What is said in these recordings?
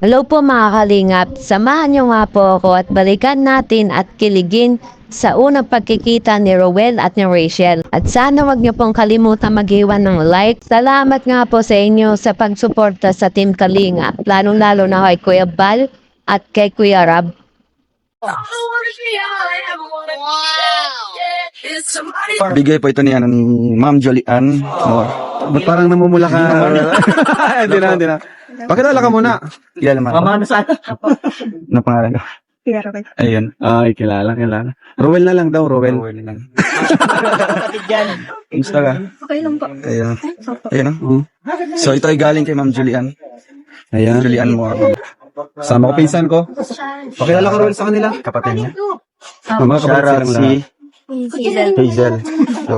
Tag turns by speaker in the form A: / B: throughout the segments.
A: Hello po mga kalingap, samahan niyo nga po ako at balikan natin at kiligin sa unang pagkikita ni Rowel at ni Rachel. At sana wag niyo pong kalimutan mag-iwan ng like. Salamat nga po sa inyo sa pagsuporta sa Team Kalingap, lalong-lalo na kay Kuya Bal at kay Kuya Rab.
B: Bigay po ito ni Ma'am Jolian.
C: Ba't parang namumula ka? Hindi na. Pakilala ka muna.
B: Kilala mo?
D: Mamano sana.
B: Ano pangalan ko? Ayun.
C: Ay, kilala. Rowel na lang daw, Rowel.
B: lang.
D: Kapatid yan.
B: Kumusta ka?
E: Okay lang po.
B: Ayun. Ayun. So ito ay galing kay Ma'am Julian.
C: Ayan.
B: Julian mo ako.
C: Sama ko pinsan ko. Pakilala ka, Rowel, sa kanila.
B: Kapatid niya.
C: Mga kapatid
B: Shout out
C: silang
B: si
C: lahat.
B: Hazel. So,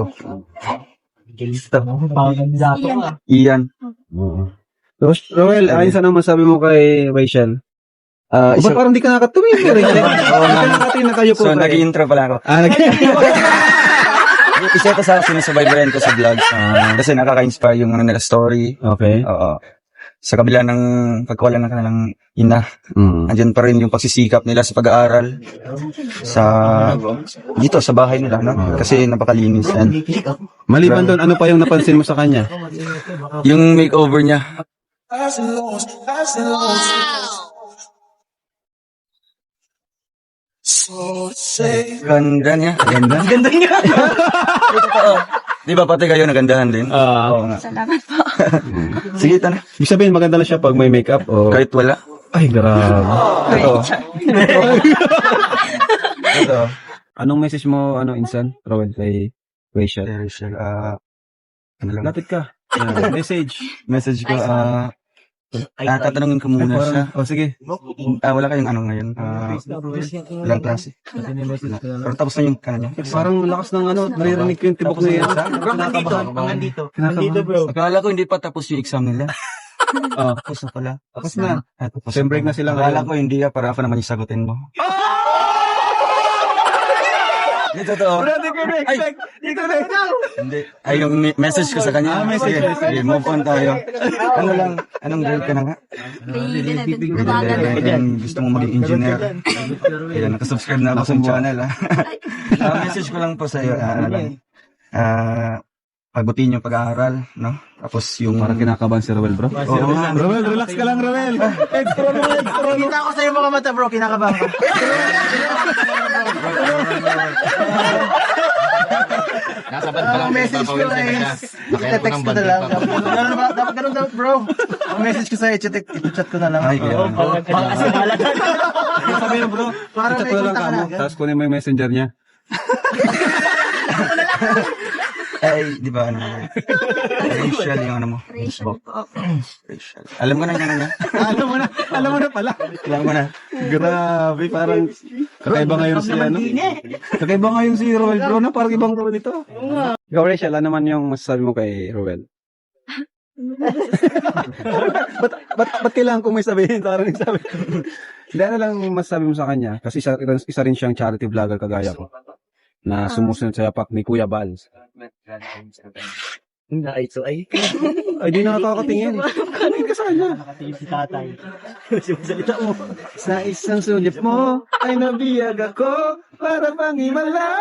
B: Ian.
C: Rowel, ayon sa nang masabi mo kay Rachel. Ba't parang di ka nakatumingin? Nakakatingin na kayo po.
B: So, nag-i-intro pala ako. Isa ito sa sinusubaybayan ko sa vlog. Kasi nakaka-inspire yung nila story.
C: Okay.
B: Oo. Sa kabila ng pagkawala ng kanilang ina, andyan pa rin yung pagsisikap nila sa pag-aaral dito sa bahay nila, no? Kasi napakalinis yan.
C: Maliban doon, ano pa yung napansin mo sa kanya?
B: Yung makeover niya. Ganda niya. Ganda niya. Di ba pati kayo nagandahan din? Oo nga.
E: Salamat po.
B: Sige, tana.
C: Ibig sabihin, maganda lang siya pag may makeup o...
B: Kahit wala.
C: Ay, grabe.
B: Ito. Ito.
C: Anong message mo, Insan, Rowel, kay Rachel?
B: Rachel, ano lang?
C: Lapit ka. Message.
B: Message ko, tatanungin ko muna siya.
C: Sige.
B: Wala kayong ano ngayon? Ilang klase? Pero tapos na yung kanya.
C: Parang lakas ng naririnig ko yung tibok na yan.
D: Nandito bro.
B: Akala ko hindi pa tapos yung exam nila. Tapos na pala.
C: Tapos na.
B: Tapos
C: Sem break na sila
B: Akala
C: ngayon.
B: ko hindi para ako naman yung sagutin mo. Hindi totoo. Hindi. Ay, yung message ko sa kanya. Sige, move on tayo. Ano lang, anong grade ka na nga? Grade 11. Gusto mo maging engineer. Ayan, nakasubscribe na ako sa channel. Message ko lang po sa iyo. Pagbutin yung pag-aaral, no? Tapos yung...
C: Parang kinakabahan si Rowel, bro.
B: Oo nga.
C: Rowel, relax ka lang, Rowel.
D: Kita ko sa iyo mga mata bro, kinakabahan ka. Ang message ko is, i-text ko na lang. Dapat ganun dapat bro. Ang message ko sa iyo, i-chat ko na lang.
B: Ay, kaya.
D: Kasi mahalaga.
C: Sabi mo, bro.
D: Parang
C: Chat ko lang kamo. Tapos kunin mo yung messenger niya.
B: Ay, di ba ano? Rachel yung ano mo?
E: Rachel po.
B: Rachel. Alam ko na yung ano niya.
C: Alam mo na pala.
B: Alam ko na.
C: Grabe, parang kakaiba ngayon si Kakaiba ngayon si Rowel, bro, na parang ibang Rowel ito. Ikaw, Rachel, ano naman yung masasabi mo kay Rowel? ba't kailangan kong may sabihin? Parang nagsabi ko. Hindi, ano lang masasabi mo sa kanya? Kasi isa rin siyang charity vlogger kagaya ko na sumusunod sa yapak ni Kuya Bal.
D: Ay.
C: Ay, di nakakatingin. Kanin ka sa kanya.
D: Nakatingin si tatay. Salita mo.
C: Sa isang sulit mo ay nabiyag ako para pangimala.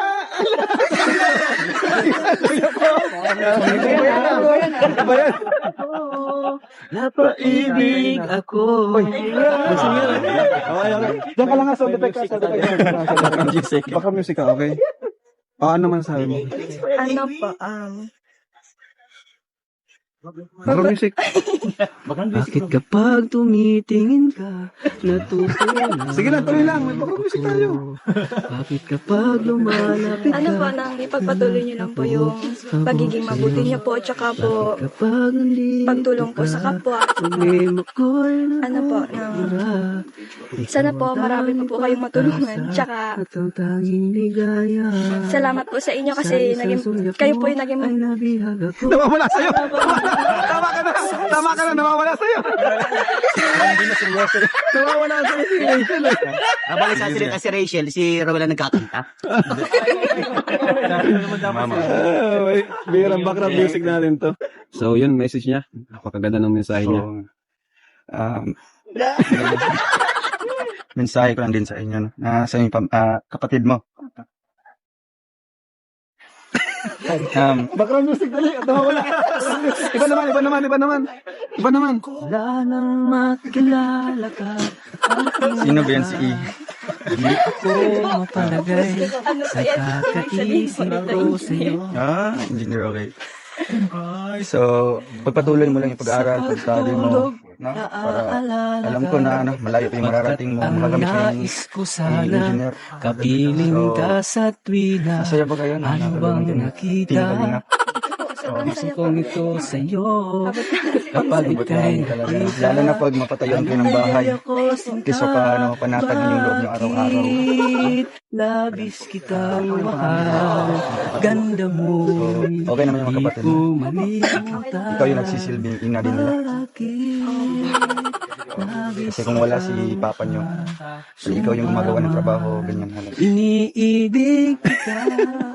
D: Napaibig ako.
C: Diyan ka lang nga, sound effect ka. Baka music ka, okay? Ano man sabi mo?
E: Ano po,
C: Baka music.
F: Bakit kapag tumitingin ka, natutunan?
C: Sige lang, tuloy lang. May baka music tayo.
F: Bakit kapag lumalapit ka?
E: ano po, nang ipagpatuloy niyo lang po yung pagiging mabuti niyo po, tsaka po,
F: Kapag nandito
E: pagtulong po sa kapwa.
F: problema ko'y
E: Ano po, sana po marami pa po kayong matulungan. Tsaka,
F: at ang tanging ligaya
E: salamat po sa inyo kasi kayo po yung naging
F: ay nabihag ako.
C: Nawawala sa'yo. Tama ka na, nawawala sa'yo. Nawawala sa'yo si Rachel.
D: Nabalik sa si Rachel, si Rowel na nagkakanta.
C: Bihirang background music natin to. So, yun, message niya. Napakaganda ng mensahe niya.
B: Mensahe ko lang din sa inyo, no? Sa inyong kapatid mo.
C: Background music dali. Wala. Iba naman.
F: Wala nang makilala ka.
B: Sino ba yan si E?
F: Hindi ako mapalagay sa kakaisip ko sa'yo.
B: Engineer, okay. So, pagpatuloy mo lang yung pag-aaral, pag-study mo, no? Para alam ko na malayo pa yung mararating mo, makagamit mo yung
F: Nais ko sana
B: engineer.
F: kapiling ka sa tuwina.
B: Masaya ba kayo?
F: Ano bang nakita? Gusto kong ito sa'yo. Kapag ika'y
B: Lalo na pag mapatayuan kayo ng bahay. Kesa pa, panatag mo yung loob nyo araw-araw.
F: labis kitang mahal. Ganda mo.
B: Okay naman yung mga kapatid
F: Di ko
B: mo.
F: malimutan.
B: Ikaw yung nagsisilbing ina din nila. Kasi kung wala si papa nyo, ikaw yung gumagawa ng trabaho, ganyan halos.
F: Iniibig kita.